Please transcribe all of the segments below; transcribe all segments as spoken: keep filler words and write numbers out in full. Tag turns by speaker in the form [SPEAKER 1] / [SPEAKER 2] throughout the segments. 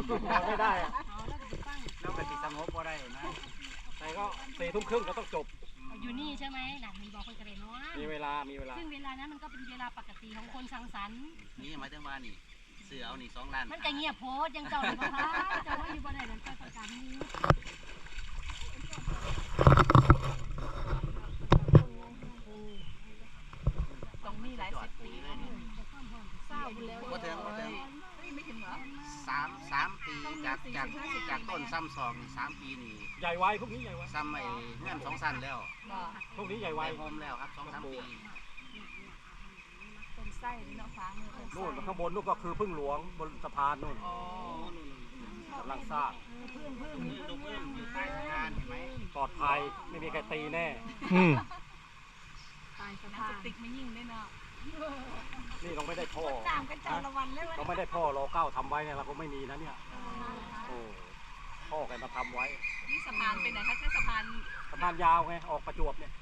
[SPEAKER 1] ไม่ได้อะแล้วก็ติดสงบก็ได้นะแต่ก็สี่ทุ่มครึ่งก็ต้องจบ
[SPEAKER 2] อยู่นี่ใช่ไหมหนักมีบอกคนกระเด็นว่า
[SPEAKER 1] มีเวลามีเวลา
[SPEAKER 2] ซึ่งเวลานั้นมันก็เป็นเวลาปกติของคนสังสรรค์
[SPEAKER 3] นี่หมายถึงว่านี่เสือเอานี่สองล้าน
[SPEAKER 2] มันก็เงียบโพสยังเจ้าเลยพ่อเจ้าว่าอยู่บนไหนนั่นก็ประกาศนี้
[SPEAKER 4] ตรงนี้หลายสิบปีแล้วเศร้าไปแล้ว
[SPEAKER 3] ก็ถึงก็ถึงไม่ถึงเหรอสามสามปีจากจากจากต้นซ้ำสองสามปีนี่
[SPEAKER 1] ใหญ่ไวพวกนี้ใหญ่ไว
[SPEAKER 3] ซ้ำไอ้เงื่อนสองสั้นแล้ว
[SPEAKER 1] พวกนี้ใหญ่ไว
[SPEAKER 3] โฮมแล้วครับสองสามปี
[SPEAKER 4] เป็นไส้เนาะฟ้ามือ
[SPEAKER 1] นู่นข้างบนนู่นก็คือพึ่งหลวงบนสะพานนู่นกำลังสร้าง
[SPEAKER 3] ดูเพื่อนอยู่ใต้สะพานเห็นไหม
[SPEAKER 1] ปลอดภัยไม่มีใครตีแน่
[SPEAKER 4] ตายสะพานติกไม่ยิ่งได้เนาะ
[SPEAKER 1] นี่เราไม่ได้ท่อเราไม่ได้ท่อรอเก้าทำไว้เนี่ยเราก็ไม่มีนะเนี่ยโอ้ท่อแกมาทำไว้
[SPEAKER 4] นี่สะพานเป็นไหนคะแค่สะพาน
[SPEAKER 1] สะพานยาวไงออกประจวบเนี่ย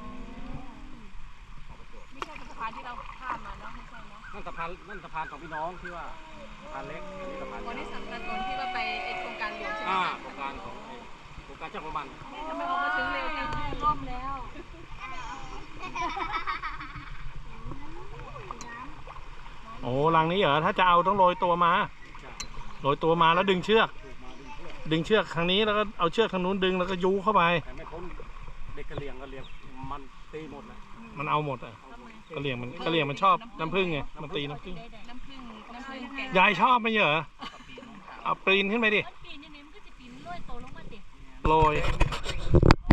[SPEAKER 4] ไม่ใช่สะพานที่เราข้ามมาเนาะไม่ใช่เนาะ
[SPEAKER 1] นั่นสะพานนั่นสะพานของพี่น้องที่ว่าสะพานเล็กนี่สะพาน
[SPEAKER 4] วันนี้สำคัญตอนที่ว่าไปโครงการหลวงใช่ไหม
[SPEAKER 1] โครงการของโครงการเจ้าของมัน
[SPEAKER 4] ทำไมออกมาถึงเร็วจัง
[SPEAKER 2] ร่มแล้ว
[SPEAKER 5] โอ้รังนี้เหรอถ้าจะเอาต้องโรยตัวมาโรยตัวมาแล้วดึงเชือกดึงเชือกทางนี้แล้วก็เอาเชือกทางนู้นดึงแล้วก็ยูเข้าไป
[SPEAKER 1] แต่ไม่พ้นเด็กกระเลียงกระเลียงมันตีหมดเลย
[SPEAKER 5] มันเอาหมดอ่ะกระเลียงมันกระเลียงมันชอบน้ำผึ้งไงมันตีน้ำผึ้ง
[SPEAKER 4] น้ำผึ้งน้ำผึ้งแกง
[SPEAKER 5] ยายชอบไหมเหรอเอาปีนขึ้นไปดิ
[SPEAKER 2] ปีนนี่มันก็จะปีนลอยโตลงมาติ
[SPEAKER 5] โรย